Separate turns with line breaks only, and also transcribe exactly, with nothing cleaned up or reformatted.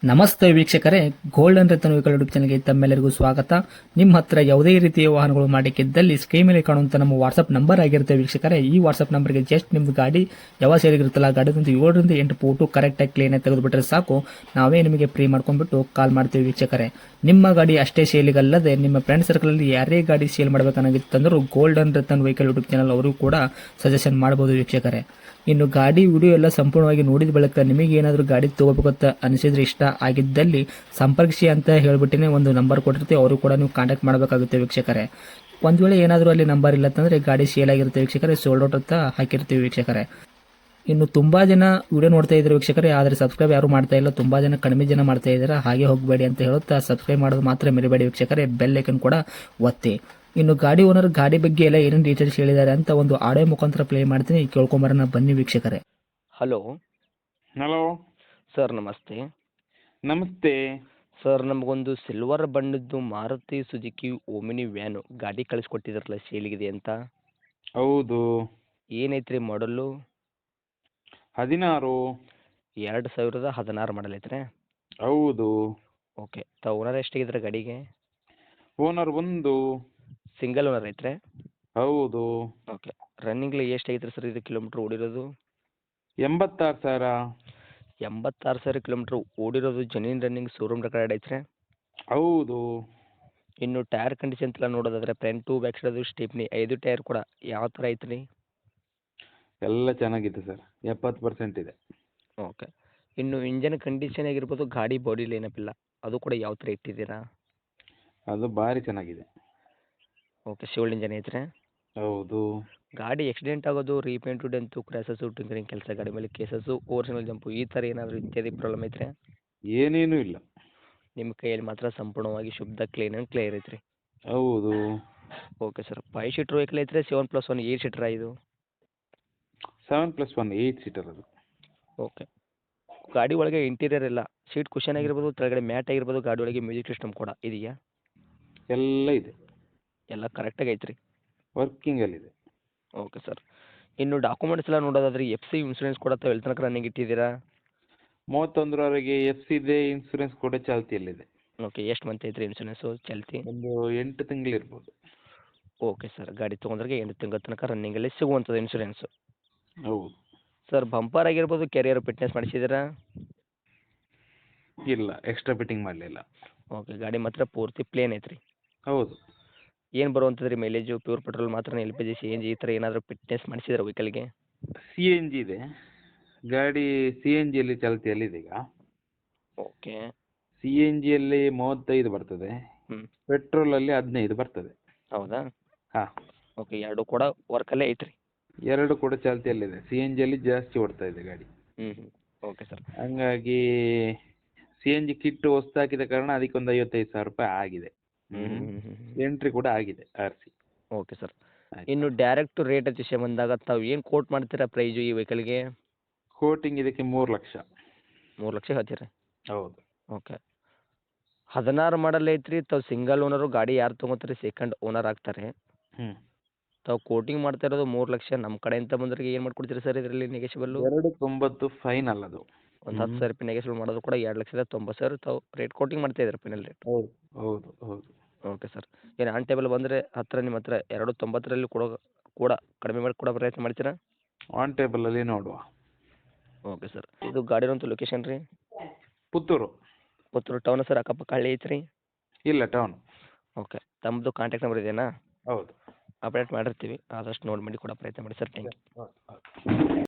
ನಮಸ್ತೆ ವೀಕ್ಷಕರೇ, golden Ratan vehicle YouTube ಚಾನಲ್ಗೆ ತಮ್ಮೆಲ್ಲರಿಗೂ ಸ್ವಾಗತ. ನಿಮ್ಮ ಹತ್ರ ಯಾವುದೇ ರೀತಿಯ ವಾಹನಗಳು ಮಾಡಿಕ್ಕಿದ್ದಲ್ಲಿ ಸ್ಕ್ರೀನ್ ಮೇಲೆ ಕಾಣುವಂತ ನಮ್ಮ ವಾಟ್ಸ್ಆಪ್ ನಂಬರ್ ಆಗಿರುತ್ತೆ ವೀಕ್ಷಕರೇ. ಈ ವಾಟ್ಸ್ಆಪ್ ನಂಬರ್ಗೆ ಜಸ್ಟ್ ನಿಮ್ದು ಗಾಡಿ ಯಾವ ಸೇರಿಗಿರುತ್ತಲ್ಲ ಗಾಡಿದಂತ ಏಳರಿಂದ ಎಂಟು ಫೋಟೋ ಕರೆಕ್ಟಾಗಿ ಕ್ಲೀನ್ ಆಗಿ ತೆಗೆದುಬಿಟ್ರೆ ಸಾಕು, ನಾವೇ ನಿಮಗೆ ಫ್ರೀ ಮಾಡ್ಕೊಂಡ್ಬಿಟ್ಟು ಕಾಲ್ ಮಾಡ್ತೀವಿ ವೀಕ್ಷಕರೇ. ನಿಮ್ಮ ಗಾಡಿ ಅಷ್ಟೇ ಸೇಲಿಗಲ್ಲದೆ ನಿಮ್ಮ ಫ್ರೆಂಡ್ ಸರ್ಕಲ್ ಅಲ್ಲಿ ಯಾರೇ ಗಾಡಿ ಸೇಲ್ ಮಾಡಬೇಕನ್ನಾಗಿತ್ತಂದ್ರೂ golden Ratan vehicle YouTube channel ಅವರು ಕೂಡ ಸಜೆಷನ್ ಮಾಡಬಹುದು ವೀಕ್ಷಕರೇ. ಇನ್ನು ಗಾಡಿ ವಿಡಿಯೋ ಎಲ್ಲ ಸಂಪೂರ್ಣವಾಗಿ ನೋಡಿದ ಬಳಿಕ ನಿಮಗೆ ಏನಾದರೂ ಗಾಡಿ ತಗೋಬೇಕಂತ ಅನಿಸಿದ್ರೆ, ಇಷ್ಟ ಆಗಿದ್ದಲ್ಲಿ ಸಂಪರ್ಕಿಸಿ ಅಂತ ಹೇಳ್ಬಿಟ್ಟಿನೇ ಒಂದು ನಂಬರ್ ಕೊಟ್ಟಿರ್ತೀವಿ, ಅವರು ಕೂಡ ನೀವು ಕಾಂಟ್ಯಾಕ್ಟ್ ಮಾಡಬೇಕಾಗುತ್ತೆ ವೀಕ್ಷಕರೇ. ಒಂದು ವೇಳೆ ಏನಾದರೂ ಅಲ್ಲಿ ನಂಬರ್ ಇಲ್ಲ ಅಂತಂದರೆ ಗಾಡಿ ಸೇಲ್ ಆಗಿರುತ್ತೆ ವೀಕ್ಷಕರೇ, ಸೋಲ್ಡ್ ಔಟ್ ಅಂತ ಹಾಕಿರ್ತೀವಿ ವೀಕ್ಷಕರೇ. ಇನ್ನು ತುಂಬ ಜನ ವಿಡಿಯೋ ನೋಡ್ತಾ ಇದ್ದಾರೆ ವೀಕ್ಷಕರೇ, ಆದರೆ ಸಬ್ಸ್ಕ್ರೈಬ್ ಯಾರು ಮಾಡ್ತಾ ಇಲ್ಲ, ತುಂಬ ಜನ ಕಡಿಮೆ ಜನ ಮಾಡ್ತಾ ಇದ್ದಾರೆ. ಹಾಗೆ ಹೋಗಬೇಡಿ ಅಂತ ಹೇಳುತ್ತಾ ಸಬ್ಸ್ಕ್ರೈಬ್ ಮಾಡೋದು ಮಾತ್ರ ಮರಿಬೇಡಿ ವೀಕ್ಷಕರೇ, ಬೆಲ್ ಐಕನ್ ಕೂಡ ಒತ್ತಿ. ಇನ್ನು ಗಾಡಿ ಓನರ್ ಗಾಡಿ ಬಗ್ಗೆ ಎಲ್ಲ ಏನೇನು ಡೀಟೇಲ್ಸ್ ಹೇಳಿದ್ದಾರೆ ಅಂತ ಒಂದು ಆಡಿಯೋ ಮುಖಾಂತರ ಪ್ಲೇ ಮಾಡ್ತೀನಿ, ಕೇಳ್ಕೊಂಬರೋಣ ಬನ್ನಿ ವೀಕ್ಷಕರೇ.
ಹಲೋ
ಹಲೋ
ಸರ್, ನಮಸ್ತೆ.
ನಮಸ್ತೆ.
ಸರ್, ನಮಗೊಂದು ಸಿಲ್ವರ್ ಬಣ್ಣದ್ದು ಮಾರುತಿ ಸುಜುಕಿ ಓಮಿನಿ ವ್ಯಾನು ಗಾಡಿ ಕಳಿಸ್ಕೊಟ್ಟಿದ್ರಲ್ಲ, ಸೇಲಿಗಿದೆ ಅಂತ.
ಹೌದು.
ಏನೈತ್ರಿ ಮಾಡಲು?
ಹದಿನಾರು.
ಎರಡು ಸಾವಿರದ ಹದಿನಾರು ಮಾಡಲ್ ಐತ್ರಿ?
ಹೌದು.
ಓಕೆ. ತಾವು ಓನರ್ ಎಷ್ಟಾಗಿದ್ರೆ ಗಾಡಿಗೆ?
ಓನರ್ ಒಂದು.
ಸಿಂಗಲ್ ಓನರ್ ಐತ್ರಿ?
ಹೌದು.
ಓಕೆ. ರನ್ನಿಂಗ್ಲಿ ಎಷ್ಟಾಗೈತ್ರಿ ಸರ್ ಇದು ಕಿಲೋಮೀಟ್ರ್ ಓಡಿರೋದು?
ಎಂಬತ್ತಾರು ಸಾವಿರ.
ಎಂಬತ್ತಾರು ಸಾವಿರ ಕಿಲೋಮೀಟ್ರ್ ಓಡಿರೋದು, ಜೆನ್ಯೂನ್ ರನ್ನಿಂಗ್, ಶೋರೂಮ್ ರೆಕಾರ್ಡ್ ಐತ್ರಿ?
ಹೌದು.
ಇನ್ನು ಟೈರ್ ಕಂಡೀಷನ್ ಎಲ್ಲ ನೋಡೋದಾದ್ರೆ ಫ್ರಂಟು ಬ್ಯಾಕ್ ಸೈಡದು ಸ್ಟೆಪ್ನಿ ಐದು ಟೈರ್ ಕೂಡ ಯಾವ ಥರ ಐತ್ರಿ?
ಎಲ್ಲ ಚೆನ್ನಾಗಿದೆ ಸರ್, ಎಪ್ಪತ್ತು ಪರ್ಸೆಂಟ್ ಇದೆ.
ಓಕೆ. ಇನ್ನು ಇಂಜನ್ ಕಂಡೀಷನ್ ಆಗಿರ್ಬೋದು, ಗಾಡಿ ಬಾಡಿ ಲೈನಪ್ ಇಲ್ಲ, ಅದು ಕೂಡ ಯಾವ ಥರ ಇಟ್ಟಿದ್ದೀರಾ?
ಅದು ಭಾರಿ ಚೆನ್ನಾಗಿದೆ.
ಓಕೆ. ಶಿವಲ್ ಇಂಜನ್ ಐತ್ರಿ?
ಹೌದು.
ಗಾಡಿ ಆಕ್ಸಿಡೆಂಟ್ ಆಗೋದು, ರೀಪೇಂಟು, ಡೆಂತು, ಕ್ರ್ಯಾಸಸ್ಸು, ಟಿಂಕರಿಂಗ್ ಕೆಲಸ, ಗಾಡಿ ಮೇಲೆ ಕೇಸಸ್ಸು, ಓವರ್ಸಿನಲ್ ಜಂಪು, ಈ ಥರ ಏನಾದರೂ ಇತ್ಯಾದಿ ಪ್ರಾಬ್ಲಮ್ ಐತ್ರಿ?
ಏನೇನೂ ಇಲ್ಲ.
ನಿಮ್ಮ ಕೈಯಲ್ಲಿ ಮಾತ್ರ ಸಂಪೂರ್ಣವಾಗಿ ಶುದ್ಧ ಕ್ಲೀನ್ ಆ್ಯಂಡ್ ಕ್ಲಿಯರ್ ಐತ್ರಿ?
ಹೌದು.
Okay sir. Five seater vehicle ಐತ್ರಿ? ಸೆವೆನ್ ಪ್ಲಸ್ ಒನ್ ಏಯ್ಟ್ ಸೀಟ್ರಾ ಇದು?
Seven plus one eight seater ಅದು.
ಓಕೆ. ಗಾಡಿ ಒಳಗೆ ಇಂಟೀರಿಯರ್ ಎಲ್ಲ ಸೀಟ್ ಕುಷನ್ ಆಗಿರ್ಬೋದು, ಕೆಳಗಡೆ ಮ್ಯಾಟ್ ಆಗಿರ್ಬೋದು, ಗಾಡಿ ಒಳಗೆ ಮ್ಯೂಸಿಕ್ ಸಿಸ್ಟಮ್ ಕೂಡ ಇದೆಯಾ?
ಎಲ್ಲ ಇದೆ.
ಎಲ್ಲ ಕರೆಕ್ಟಾಗಿ ಐತ್ರಿ?
ವರ್ಕಿಂಗಲ್ಲಿದೆ.
Okay sir. ಇನ್ನು ಡಾಕ್ಯುಮೆಂಟ್ಸ್ ಎಲ್ಲ ನೋಡೋದಾದ್ರೆ ಎಫ್ ಸಿ ಇನ್ಸೂರೆನ್ಸ್ ಕೂಡ ತಾವು ಎಲ್ಲಿ ತನಕ ರನ್ನಿಂಗ್ ಇಟ್ಟಿದ್ದೀರಾ?
ಮೂವತ್ತೊಂದರವರೆಗೆ ಎಫ್ ಸಿ ಇದೆ, ಇನ್ಸೂರೆನ್ಸ್ ಕೂಡ ಚಾಲ್ತಿಯಲ್ಲಿದೆ.
ಓಕೆ. ಎಷ್ಟು ಮಂತ್ ಐತ್ರಿ ಇನ್ಸೂರೆನ್ಸು ಚಾಲ್ತಿ?
ಒಂದು ಎಂಟು ತಿಂಗಳಿರ್ಬೋದು.
Okay sir. ಗಾಡಿ ತೊಗೊಂಡ್ರೆ ಎಂಟು ತಿಂಗಳ ತನಕ ರನ್ನಿಂಗಲ್ಲಿ ಸಿಗುವಂಥದ್ದು ಇನ್ಸೂರೆನ್ಸು?
ಹೌದು.
ಸರ್, ಬಂಪರ್ ಆಗಿರ್ಬೋದು, ಕೆರಿಯರ್ ಫಿಟ್ನೆಸ್ ಮಾಡಿಸಿದ್ದೀರಾ?
ಇಲ್ಲ, ಎಕ್ಸ್ಟ್ರಾ ಫಿಟ್ಟಿಂಗ್ ಮಾಡಲಿಲ್ಲ.
ಓಕೆ. ಗಾಡಿ ಮಾತ್ರ ಪೂರ್ತಿ ಪ್ಲೇನ್ ಐತ್ರಿ?
ಹೌದು.
ಏನು ಬರುವಂಥದ್ದು ರೀ ಮೈಲೇಜು? ಪ್ಯೂರ್ ಪೆಟ್ರೋಲ್ ಮಾತ್ರ, L P G, C N G ಈ ಥರ ಏನಾದರೂ ಫಿಟ್ನೆಸ್ ಮಾಡಿಸಿದ್ರೆ ವೆಹಿಕಲ್ಗೆ?
ಸಿ ಎನ್ ಜಿ ಇದೆ ಗಾಡಿ. ಸಿ ಎನ್ ಜಿಯಲ್ಲಿ ಚಾಲ್ತಿಯಲ್ಲಿದೆ ಈಗ.
ಓಕೆ.
ಸಿ ಎನ್ ಜಿಯಲ್ಲಿ ಮೂವತ್ತೈದು ಬರ್ತದೆ,
ಹ್ಞೂ.
ಪೆಟ್ರೋಲಲ್ಲಿ ಹದಿನೈದು ಬರ್ತದೆ.
ಹೌದಾ?
ಹಾಂ.
ಓಕೆ. ಎರಡು ಕೂಡ ವರ್ಕಲ್ಲೇ ಐತ್ರಿ?
ಎರಡು ಕೂಡ ಚಾಲ್ತಿಯಲ್ಲಿದೆ. ಸಿ ಎನ್ ಜಿಯಲ್ಲಿ ಜಾಸ್ತಿ ಓಡ್ತಾ ಇದೆ ಗಾಡಿ.
ಹ್ಞೂ ಹ್ಞೂ. Okay sir.
ಹಂಗಾಗಿ ಸಿ ಎನ್ ಜಿ ಕಿಟ್ ಹೊಸ್ತು ಹಾಕಿದ ಕಾರಣ ಅದಕ್ಕೊಂದು ಐವತ್ತೈದು ಸಾವಿರ ರೂಪಾಯಿ ಆಗಿದೆ.
ಹ್ಞೂ ಹ್ಞೂ ಹ್ಞೂ ಹ್ಞೂ.
ಎಂಟ್ರಿ ಕೂಡ ಆಗಿದೆ ಆರ್ ಸಿ.
Okay sir. ಇನ್ನು ಡೈರೆಕ್ಟ್ ರೇಟ್ ವಿಷಯ ಬಂದಾಗ ತಾವು ಏನು ಕೋಟ್ ಮಾಡ್ತೀರಾ ಪ್ರೈಜು ಈ ವೆಹಿಕಲ್ಗೆ?
ಕೋಟಿಂಗ್ ಇದಕ್ಕೆ ಮೂರು ಲಕ್ಷ.
ಮೂರು ಲಕ್ಷ ಹೇಳ್ತೀರಾ?
ಹೌದು.
ಓಕೆ. ಹದಿನಾರು ಮಾಡಲ್ ಐತ್ರಿ, ತಾವು ಸಿಂಗಲ್ ಓನರು, ಗಾಡಿ ಯಾರು ತೊಗೋತಾರೆ ಸೆಕೆಂಡ್ ಓನರ್ ಆಗ್ತಾರೆ.
ಹ್ಞೂ.
ತಾವು ಕೋಟಿಂಗ್ ಮಾಡ್ತಾ ಇರೋದು ಮೂರು ಲಕ್ಷ. ನಮ್ಮ ಕಡೆಯಿಂದ ಬಂದವರಿಗೆ ಏನು ಮಾಡ್ಕೊಡ್ತೀರಿ ಸರ್ ಇದರಲ್ಲಿ ನೆಗೆಶಿಬಲ್ಲು?
ಎರಡು ತೊಂಬತ್ತು ಫೈನಲ್ ಅದು.
ಒಂದು ಹತ್ತು ಸಾವಿರ ರೂಪಾಯಿ ನೆಗೆಶಿಬಲ್ ಮಾಡೋದು ಕೂಡ ಎರಡು ಲಕ್ಷದ ತೊಂಬತ್ತು ಸಾವಿರ ತಾವು ರೇಟ್ ಕೋಟಿಂಗ್ ಮಾಡ್ತಾ ಇದ್ದಾರೆ ಫೈನಲ್ ರೇಟ್?
ಹೌದು ಹೌದು ಹೌದು.
Okay sir. ಏನು ಆನ್ ಟೇಬಲ್ ಬಂದರೆ ಹತ್ತಿರ ನಿಮ್ಮ ಹತ್ರ ಎರಡು ತೊಂಬತ್ತರಲ್ಲಿ ಕೊಡೋ ಕೂಡ ಕಡಿಮೆ ಮಾಡಿ ಕೊಡೋ ಪ್ರಯತ್ನ ಮಾಡ್ತೀರಾ?
ಆನ್ ಟೇಬಲಲ್ಲಿ ನೋಡುವ.
Okay sir. ಇದು ಗಾಡಿರೋಂಥ ಲೊಕೇಶನ್ ರೀ?
ಪುತ್ತೂರು.
Puttur town sir? ಅಕ್ಕಪಕ್ಕ ಹಳ್ಳಿ ಐತ್ರಿ?
ಇಲ್ಲ, ಟೌನ್.
ಓಕೆ. ತಮ್ಮದು ಕಾಂಟ್ಯಾಕ್ಟ್ ನಂಬರ್ ಇದೆಯಾ?
ಹೌದು.
ಅಪ್ಡೇಟ್ ಮಾಡಿರ್ತೀವಿ, ಆದಷ್ಟು ನೋಡಿ ಮಾಡಿ ಕೊಡೋ ಪ್ರಯತ್ನ ಮಾಡಿ sir. Thank you.
Okay okay.